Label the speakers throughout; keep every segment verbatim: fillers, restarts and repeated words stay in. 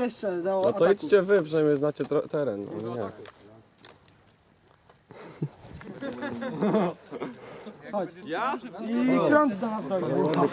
Speaker 1: jeszcze do
Speaker 2: No to
Speaker 1: ataku.
Speaker 2: idźcie wy, przynajmniej znacie teren. No nie.
Speaker 1: Chodź.
Speaker 3: Ja?
Speaker 1: I krąg do nas dojdzie.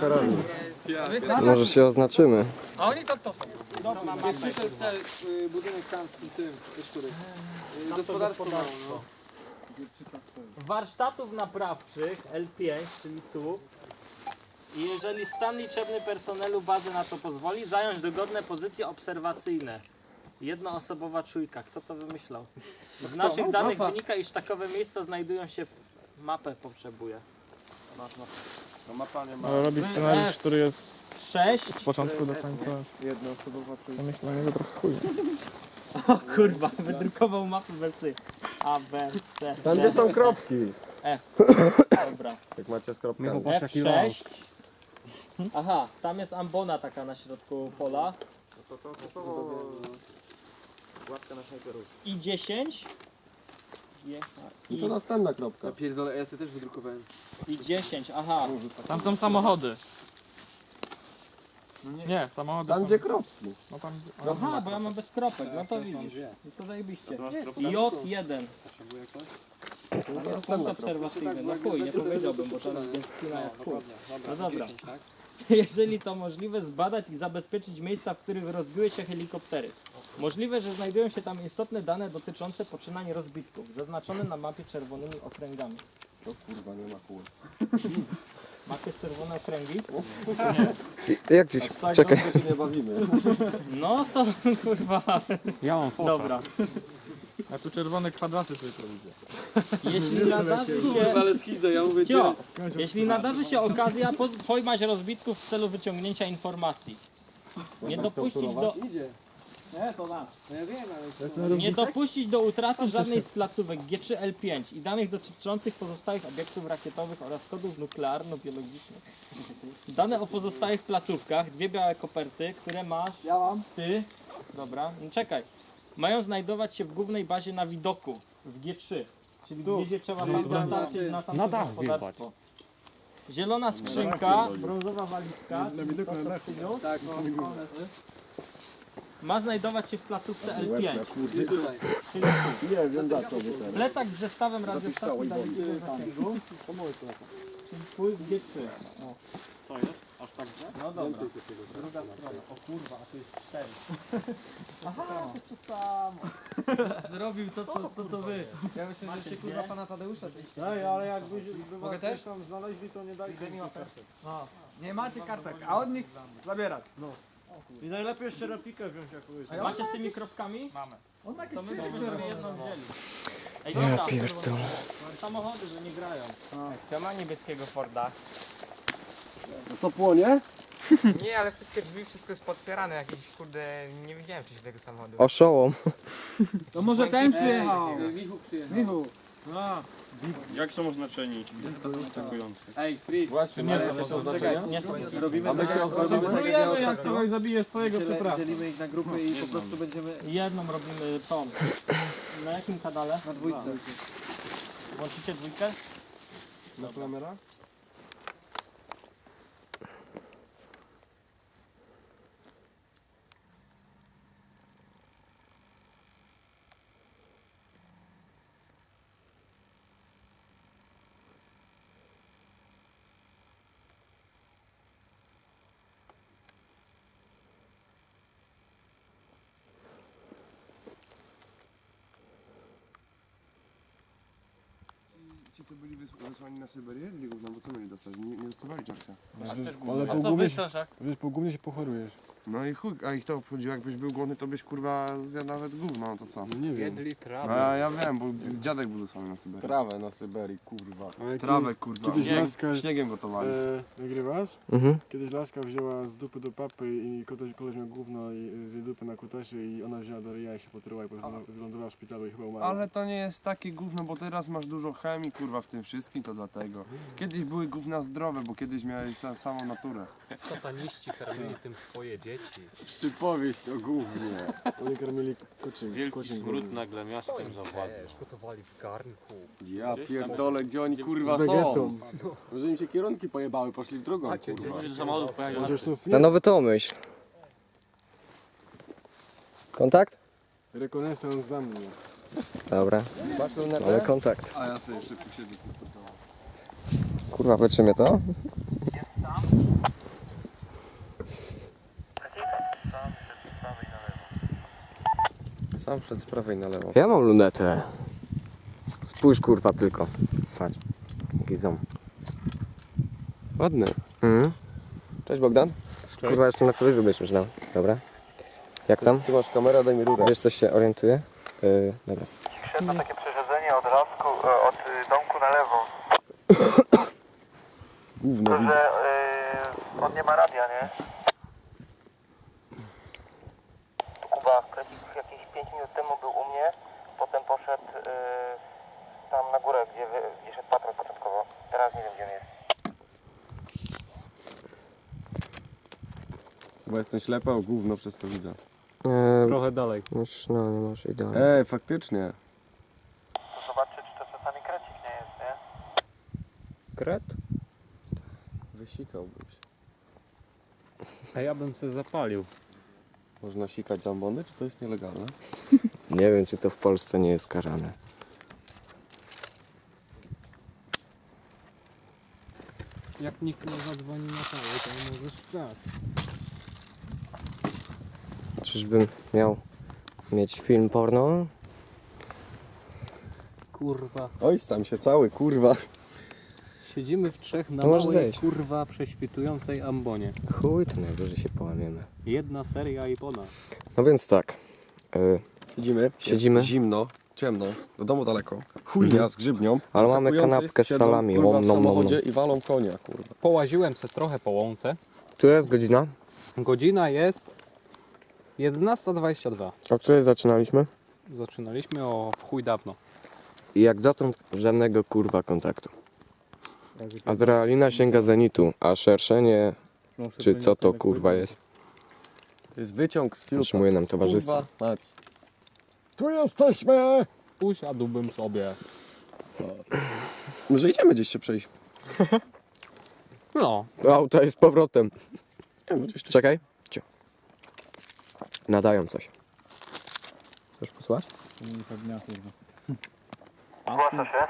Speaker 2: Może się oznaczymy.
Speaker 4: A oni to to są.
Speaker 3: Jak przyszedł ten y, budynek tam z tym, tym ze szkury. Y, gospodarstwo mało, no.
Speaker 4: Warsztatów naprawczych L pięć, czyli tu. I jeżeli stan liczebny personelu bazy na to pozwoli, zająć dogodne pozycje obserwacyjne. Jednoosobowa czujka. Kto to wymyślał? W naszych danych wynika, iż takowe miejsca znajdują się w... Mapę potrzebuje.
Speaker 3: No mapa nie ma.
Speaker 5: Ale robi scenariusz, który jest
Speaker 4: sześć.
Speaker 5: od początku do końca.
Speaker 3: Jednoosobowa
Speaker 5: To myślę, na niego trochę chuj.
Speaker 4: O kurwa, wydrukował mapę bez tych. A, B, C,
Speaker 2: Tam
Speaker 4: D,
Speaker 2: gdzie są kropki.
Speaker 4: F. Dobra.
Speaker 2: Jak macie z kropkami.
Speaker 4: F sześć. Aha, tam jest ambona taka na środku pola.
Speaker 3: To to to łapka na snajperów.
Speaker 4: I dziesięć.
Speaker 2: I to
Speaker 4: I,
Speaker 2: następna kropka.
Speaker 3: Ja pierdolę, ja sobie też wydrukowałem.
Speaker 4: I dziesięć, aha.
Speaker 5: Tam są samochody. Nie, samochody
Speaker 2: Tam
Speaker 5: są...
Speaker 2: gdzie kropki.
Speaker 5: No tam...
Speaker 4: Aha, bo ja mam bez kropek, no to widzisz. No to zajebiście. J jeden. To jest punkt obserwacyjny. No chuj, nie powiedziałbym, bo teraz jest chwila jak chuj. No dobra. Jeżeli to możliwe, zbadać i zabezpieczyć miejsca, w których rozbiły się helikoptery. Możliwe, że znajdują się tam istotne dane dotyczące poczynań rozbitków, zaznaczone na mapie czerwonymi okręgami.
Speaker 2: To kurwa nie ma kół.
Speaker 4: Macie czerwone okręgi?
Speaker 2: Jak gdzieś? Czekaj. się nie bawimy.
Speaker 4: No to kurwa.
Speaker 5: Ja mam fopa.
Speaker 4: Dobra.
Speaker 5: A tu czerwone kwadraty sobie to widzę.
Speaker 4: Jeśli nadarzy się...
Speaker 3: Ale schizo, ja mówię cię.
Speaker 4: Cio, jeśli nadarzy się okazja, poz- pojmać rozbitków w celu wyciągnięcia informacji. Nie dopuścić do,
Speaker 3: Idzie.
Speaker 1: Nie, to nasz.
Speaker 3: No ja wiem, ale...
Speaker 4: nie dopuścić do utraty żadnej z placówek G trzy L pięć i danych dotyczących pozostałych obiektów rakietowych oraz kodów nuklearno-biologicznych. Dane o pozostałych placówkach, dwie białe koperty, które masz
Speaker 1: Ja mam.
Speaker 4: ty, dobra, no czekaj, mają znajdować się w głównej bazie na widoku, w G trzy, czyli gdzieś je trzeba tam dostarczyć na tamto gospodarstwo. Zielona skrzynka, brązowa walizka, czyli to, co przyniósł,
Speaker 3: Tak, no.
Speaker 4: ma znajdować się w placówce L pięć.
Speaker 3: I tutaj.
Speaker 4: Czyli
Speaker 2: Nie wiem za co.
Speaker 4: plecak z zestawem radiostacji dalekowego zasięgu, czyli twój w G trzy. O.
Speaker 5: To jest? Aż tak, że?
Speaker 4: No dobra, druga strona. O kurwa, a tu jest cztery.
Speaker 1: Aha, to jest to samo.
Speaker 4: Zrobił to, co, to, co wy.
Speaker 3: Ja myślę, że się kurwa pana Tadeusza
Speaker 1: Ej, ale jakbyś
Speaker 3: Mogę też?
Speaker 1: tam znaleźli, to nie dajcie mi kartek.
Speaker 6: No, nie macie kartek, a od nich zabierać.
Speaker 1: I najlepiej jeszcze replikę wziąć jakąś.
Speaker 4: Macie z tymi kropkami?
Speaker 6: Mamy.
Speaker 1: On jakieś
Speaker 4: To my
Speaker 1: czyny
Speaker 4: byśmy sobie jedną wzięli. Ej,
Speaker 2: Ja
Speaker 4: dobra,
Speaker 2: pierdolę.
Speaker 4: samochody, że nie grają.
Speaker 6: Kto ma niebieskiego Forda?
Speaker 2: To płonie?
Speaker 6: Nie, ale wszystkie drzwi, wszystko jest potwierane. Jakiś kurde, nie widziałem wcześniej tego samochodu.
Speaker 2: Oszołom.
Speaker 1: To może ten przyjechał.
Speaker 3: Michu przyjechał.
Speaker 1: Michu.
Speaker 5: Jak są oznaczeni atakujący?
Speaker 3: Ej, Free.
Speaker 2: Właśnie, nie są też oznaczenia?
Speaker 4: Nie są.
Speaker 3: Robimy
Speaker 2: A my się oznaczamy?
Speaker 3: tak jak ja ostatnio.
Speaker 5: Kogoś zabije swojego,
Speaker 3: Dzielę-
Speaker 5: przepraszam.
Speaker 3: Dzielimy ich na grupy i po prostu będziemy
Speaker 4: Jedną robimy tą. Na jakim kanale?
Speaker 3: na dwójce.
Speaker 4: Włączycie dwójkę?
Speaker 2: Na kamera?
Speaker 7: Ci co byli wys- wysłani na Syberię, Ligów, no bo co mieli dostać? Nie, nie dostawali czarka.
Speaker 5: Ale
Speaker 6: A co wy, Staszak?
Speaker 5: Wiesz, po głównie się pochorujesz.
Speaker 7: No i chuj, a ich to obchodziło, jakbyś był głodny, to byś kurwa zjadł nawet gówno, no to co?
Speaker 5: Nie wiem.
Speaker 6: Jedli
Speaker 7: No,
Speaker 6: trawę.
Speaker 7: a ja wiem, bo dziadek był zesłany na Syberię.
Speaker 2: Trawę na Syberii, kurwa.
Speaker 5: Ale
Speaker 7: Trawę kurwa,
Speaker 5: Kiedyś
Speaker 7: Śnieg,
Speaker 5: laska...
Speaker 7: śniegiem gotowali.
Speaker 5: E, nagrywasz?
Speaker 2: Mhm.
Speaker 5: Kiedyś laska wzięła z dupy do papy i koleś, koleś miał gówno i z jej dupy na kutasie i ona wzięła do ryja i się potruła i po prostu wylądowała w szpitalu i chyba umarła.
Speaker 7: Ale to nie jest takie gówno, bo teraz masz dużo chemii kurwa w tym wszystkim, to dlatego. Kiedyś były gówna zdrowe, bo kiedyś miałeś sa- samą naturę.
Speaker 8: Sataniści karmili tym swoje dzieci.
Speaker 2: Przypowieść o gównie.
Speaker 5: Oni karmili kuczym.
Speaker 8: Wielki smród nagle miastem zawładnął. Gotowali w garnku.
Speaker 2: Ja pierdolę, gdzie oni kurwa
Speaker 5: Z
Speaker 2: są?
Speaker 5: wegetą.
Speaker 2: Może im się kierunki pojebały, poszli w drugą kurwa.
Speaker 8: Samochodów pojechał.
Speaker 5: Może już są w
Speaker 2: Na nowy to myśl. Kontakt?
Speaker 5: Rekonesans za mnie.
Speaker 2: Dobra. Ale kontakt.
Speaker 7: A ja sobie jeszcze posiedzę.
Speaker 2: Kurwa, wytrzymię to?
Speaker 8: Sam przed z prawej na lewo.
Speaker 2: Ja mam lunetę. Spójrz kurwa tylko. Patrz. Gizom.
Speaker 8: Ładny.
Speaker 2: Mhm. Cześć Bogdan. Kurwa, jeszcze na telewizji będziesz myślał. Dobra. Jak tam?
Speaker 8: Ty masz kamerę, daj mi rurę.
Speaker 2: Wiesz, coś się orientuje? Yy, dobra.
Speaker 9: Świetne takie przerzedzenie od lasku, e, od y, domku na lewo.
Speaker 8: Gówno.
Speaker 9: To, że y, on nie ma radia, nie? Tu Kuba Krecik jakieś pięć minut temu był u mnie, potem poszedł y, tam na górę, gdzie, wy, gdzie szedł patrol początkowo. Teraz nie wiem, gdzie on jest.
Speaker 8: Bo jestem ślepy, a gówno przez to widzę.
Speaker 2: Yy,
Speaker 4: Trochę dalej.
Speaker 2: już, no nie masz idealnie.
Speaker 8: Ej, faktycznie.
Speaker 9: To zobaczcie, czy to czasami Krecik nie jest, nie?
Speaker 4: Kret?
Speaker 8: Wysikałbym się.
Speaker 4: A ja bym sobie zapalił.
Speaker 8: Można sikać zambony, czy to jest nielegalne?
Speaker 2: Nie wiem, czy to w Polsce nie jest karane.
Speaker 4: Jak nikt nie zadzwoni na całe, to nie możesz grać.
Speaker 2: Czyżbym miał mieć film porno?
Speaker 4: Kurwa.
Speaker 8: Oj, sam się cały, kurwa.
Speaker 4: Siedzimy w trzech na
Speaker 2: To możesz
Speaker 4: małej,
Speaker 2: zejść.
Speaker 4: kurwa, prześwitującej ambonie.
Speaker 2: Chuj, to najwyżej się połamiemy.
Speaker 4: Jedna seria i ponad.
Speaker 2: No więc tak. Yy,
Speaker 8: Siedzimy.
Speaker 2: Siedzimy.
Speaker 8: Jest zimno, ciemno, do domu daleko. Chujnia
Speaker 2: Mhm.
Speaker 8: z grzybnią.
Speaker 2: Ale mamy
Speaker 8: Atakujący
Speaker 2: kanapkę z
Speaker 8: siedzą,
Speaker 2: salami.
Speaker 8: Kurwa,
Speaker 2: Om,
Speaker 8: w
Speaker 2: nom, nom,
Speaker 8: samochodzie
Speaker 2: nom.
Speaker 8: i walą konia, kurwa.
Speaker 4: Połaziłem se trochę po łące.
Speaker 2: Która jest godzina?
Speaker 4: Godzina jest jedenasta dwadzieścia dwa.
Speaker 2: O której zaczynaliśmy?
Speaker 4: Zaczynaliśmy o w chuj dawno.
Speaker 2: I jak dotąd żadnego kurwa kontaktu. Adrenalina sięga zenitu, a szerszenie, czy co to kurwa jest,
Speaker 8: To jest wyciąg z filtra.
Speaker 2: utrzymuje nam towarzystwo.
Speaker 8: Kurwa, mać.
Speaker 5: Tu jesteśmy!
Speaker 4: Usiadłbym sobie.
Speaker 8: Może idziemy gdzieś się przejść.
Speaker 4: No,
Speaker 2: Auto jest z powrotem.
Speaker 8: Nie, no gdzieś tu.
Speaker 2: Czekaj. Cio. Nadają coś. Chcesz posłać?
Speaker 9: Zgłasza się.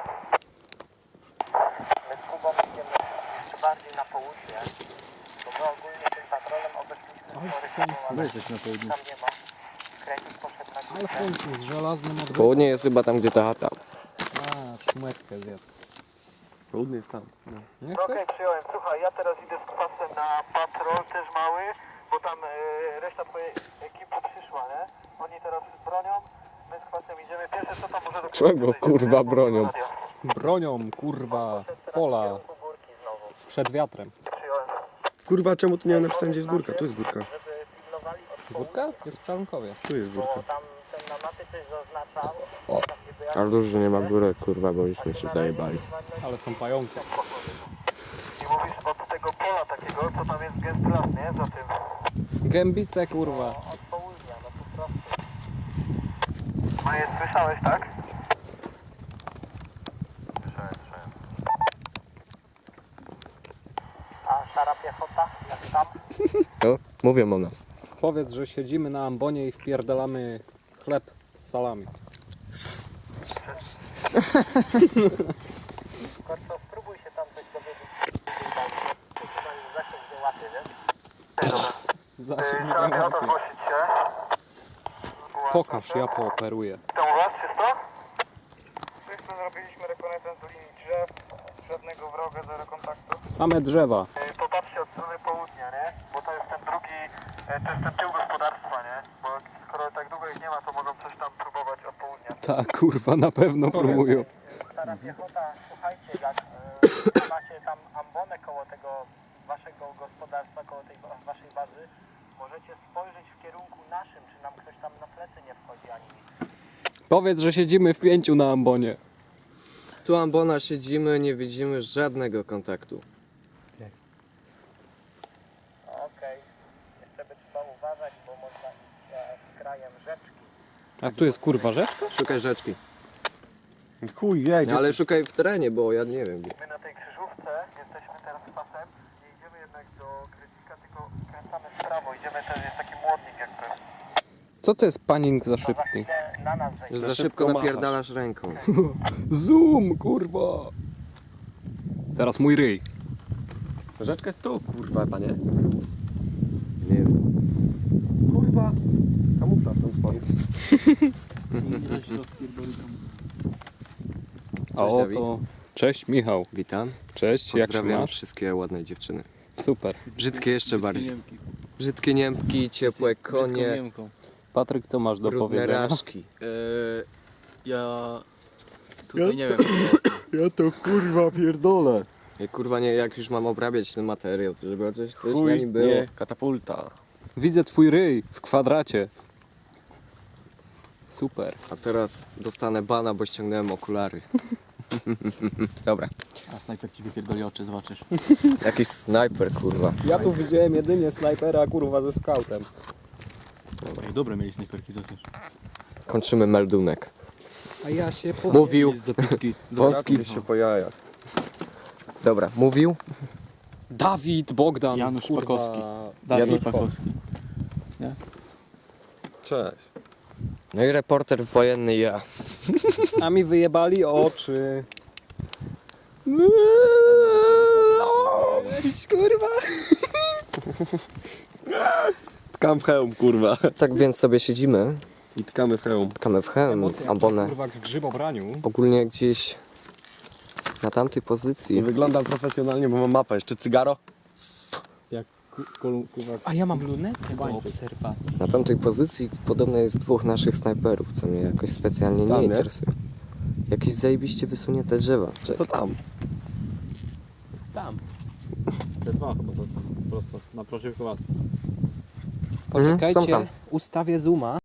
Speaker 9: My z Kubą idziemy jeszcze bardziej na południe, bo my ogólnie tym patrolem obeszliśmy spory tam nie ma. Krecik poszedł na
Speaker 4: ale
Speaker 9: górę.
Speaker 4: w końcu z żelaznym odwrotem.
Speaker 2: Południe jest chyba tam, gdzie ta chata.
Speaker 4: A, szmetkę zjadł.
Speaker 8: Południe jest tam.
Speaker 4: Nie
Speaker 9: No okej,
Speaker 4: chcesz?
Speaker 9: przyjąłem. Słuchaj, ja teraz idę z kwasem na patrol, też mały, bo tam e, reszta twojej ekipy przyszła, nie? Oni teraz bronią, my z kwasem idziemy. Pierwsze co tam może do
Speaker 2: Czego, kurwa, bronią?
Speaker 4: Bronią, kurwa, pola przed wiatrem.
Speaker 9: Przyjąłem.
Speaker 8: Kurwa, czemu tu nie mam napisane, gdzie jest górka? Tu jest górka.
Speaker 9: Żeby pilnowali od
Speaker 4: Górka? Jest w Czarnkowie.
Speaker 8: Tu jest górka.
Speaker 9: bo tam ten na mapie coś zaznaczał.
Speaker 2: O.
Speaker 9: Tam gdzie
Speaker 2: Ale dużo, że nie ma góry, kurwa, bo byśmy się zajebali.
Speaker 4: Ale są pająki.
Speaker 9: I mówisz od tego pola takiego, co tam jest gęsty las, nie? Za tym.
Speaker 4: Gębice, kurwa.
Speaker 9: Od południa, no po prostu. No jest, słyszałeś, tak? Słyszałem, słyszałem. A szara piechota, jak tam?
Speaker 2: No, mówią o nas.
Speaker 4: Powiedz, że siedzimy na ambonie i wpierdalamy chleb z salami.
Speaker 9: Korco, spróbuj się tam coś dowiedzieć. Zasięg nie łapie, wiesz?
Speaker 4: Zasięg
Speaker 9: Trzeba
Speaker 4: nie
Speaker 9: mi o to
Speaker 4: łapie.
Speaker 9: zgłosić się.
Speaker 4: Pokaż, ja pooperuję.
Speaker 9: Tam u was czysto? Wszyscy zrobiliśmy rekonesans do linii drzew. Żadnego wroga, zero kontaktu.
Speaker 4: Same drzewa.
Speaker 9: Yy, Popatrzcie od strony południa, nie? Bo to jest ten drugi, e, to jest ten tył gospodarstwa, nie? Bo skoro tak długo ich nie ma, to mogą coś tam próbować od południa.
Speaker 4: Tak, kurwa, na pewno próbują.
Speaker 9: Stara piechota, słuchajcie, jak e, macie tam ambonę koło tego waszego gospodarstwa, koło tej wa- waszej bazy, możecie spojrzeć w kierunku naszym, czy nam ktoś tam na plecy nie wchodzi ani nic.
Speaker 4: Powiedz, że siedzimy w pięciu na ambonie.
Speaker 2: Tu ambona siedzimy, nie widzimy żadnego kontaktu.
Speaker 9: Okej, jeszcze by trzeba uważać, bo można iść e, z krajem rzeczki.
Speaker 4: A tu jest kurwa rzeczka?
Speaker 2: Szukaj rzeczki.
Speaker 8: Chuj, jej,
Speaker 2: No, ale szukaj w terenie, bo ja nie wiem. Gdzie.
Speaker 9: My na tej krzyżówce jesteśmy teraz pasem, nie idziemy jednak do Krecika, tylko kręcamy w prawo. Idziemy, też jest taki młodnik jakby.
Speaker 4: Co to jest panik za
Speaker 9: To za
Speaker 4: szybki?
Speaker 9: chwilę na nas
Speaker 2: Że
Speaker 9: wejdzie.
Speaker 2: za szybko napierdalasz ręką.
Speaker 4: Zoom, kurwa! Teraz mój ryj.
Speaker 5: Rzeczka jest tu, kurwa, panie.
Speaker 2: Nie wiem.
Speaker 5: Kurwa. Kamuflaż tam spadł.
Speaker 4: A
Speaker 2: Cześć, Dawid.
Speaker 4: oto... Cześć Michał.
Speaker 2: Witam.
Speaker 4: Cześć, jak się
Speaker 2: Pozdrawiam
Speaker 4: masz?
Speaker 2: wszystkie ładne dziewczyny.
Speaker 4: Super.
Speaker 2: Brzydkie jeszcze bardziej. Brzydkie Niemki, ciepłe konie,
Speaker 4: Patryk, co masz do
Speaker 2: brudne
Speaker 4: powiedzenia?
Speaker 2: raszki.
Speaker 8: Eee, ja tutaj nie wiem, co jest.
Speaker 5: Ja to kurwa pierdolę.
Speaker 2: Ja kurwa nie, jak już mam obrabiać ten materiał, to żeby chociaż coś na nim było.
Speaker 5: nie, katapulta.
Speaker 4: Widzę twój ryj w kwadracie. Super.
Speaker 2: A teraz dostanę bana, bo ściągnąłem okulary. Dobra.
Speaker 8: A snajper ci wypierdoli oczy, zobaczysz.
Speaker 2: Jakiś snajper, kurwa.
Speaker 4: Ja tu widziałem jedynie snajpera, kurwa, ze skautem.
Speaker 8: Dobre mieli snajperki, co chcesz?
Speaker 2: Kończymy meldunek.
Speaker 4: A ja się
Speaker 2: Mówił.
Speaker 8: Zapiski.
Speaker 2: Wąski.
Speaker 5: się po jajach.
Speaker 2: Dobra, mówił.
Speaker 4: Dawid Bogdan.
Speaker 8: Janusz
Speaker 4: kurwa,
Speaker 8: Pakowski.
Speaker 2: Janusz
Speaker 8: Dawid Pakowski.
Speaker 5: Cześć.
Speaker 2: No i reporter wojenny ja.
Speaker 4: A mi wyjebali oczy.
Speaker 2: Kurwa.
Speaker 5: Tkam w hełm, kurwa.
Speaker 2: Tak więc sobie siedzimy.
Speaker 5: I tkamy w hełm.
Speaker 2: Tkamy w hełm, abonę.
Speaker 4: Kurwa, w grzybobraniu.
Speaker 2: Ogólnie gdzieś na tamtej pozycji.
Speaker 5: I wyglądam profesjonalnie, bo mam mapę. Jeszcze cygaro?
Speaker 4: A ja mam lunetę do obserwacji.
Speaker 2: Na tamtej pozycji podobno jest dwóch naszych snajperów, co mnie jakoś specjalnie
Speaker 5: Tam,
Speaker 2: nie
Speaker 5: nie?
Speaker 2: interesuje. Jakieś zajebiście wysunięte drzewa.
Speaker 5: To
Speaker 2: Czekaj.
Speaker 5: tam.
Speaker 4: Tam.
Speaker 8: Te dwa chyba to są, prosto, naprzeciwko was.
Speaker 2: Mhm, są
Speaker 4: Poczekajcie,
Speaker 2: tam.
Speaker 4: ustawię zooma.